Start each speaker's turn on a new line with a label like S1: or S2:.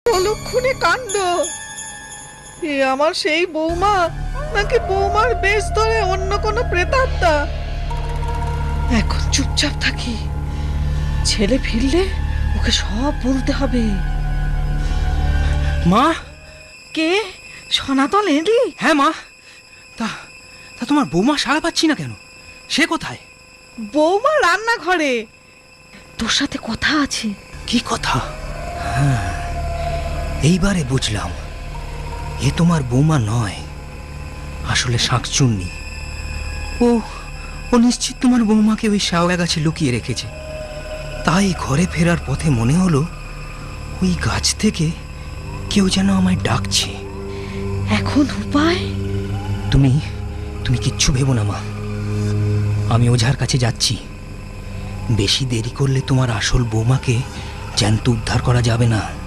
S1: অলক্ষণে কাণ্ড! এ আমার সেই বৌমা, নাকি বৌমার বেশ ধরে অন্য কোনো প্রেতাত্মা? এখন চুপচাপ থাকি, ছেলে ফিরলে ওকে সব বলতে হবে।
S2: মা!
S1: কে? সনাতন এলি?
S2: হ্যাঁ মা। তা তা তোমার বৌমা সাড়া পাচ্ছি না কেন? সে কোথায়?
S1: বৌমা রান্নাঘরে, তোর সাথে কথা আছে।
S2: কি কথা? হ্যাঁ, এইবারে বুঝলাম, এ তোমার বৌমা নয়, আসলে শাঁকচুন্নি। ও ও নিশ্চিত তোমার বৌমাকে ওই শাওয়া গাছে লুকিয়ে রেখেছে। তাই ঘরে ফেরার পথে মনে হলো ওই গাছ থেকে কেউ যেন আমায় ডাকছে।
S1: এখন উপায়?
S2: তুমি তুমি কিচ্ছু ভেবো না মা, আমি ওঝার কাছে যাচ্ছি। বেশি দেরি করলে তোমার আসল বৌমাকে জ্যান্ত উদ্ধার করা যাবে না।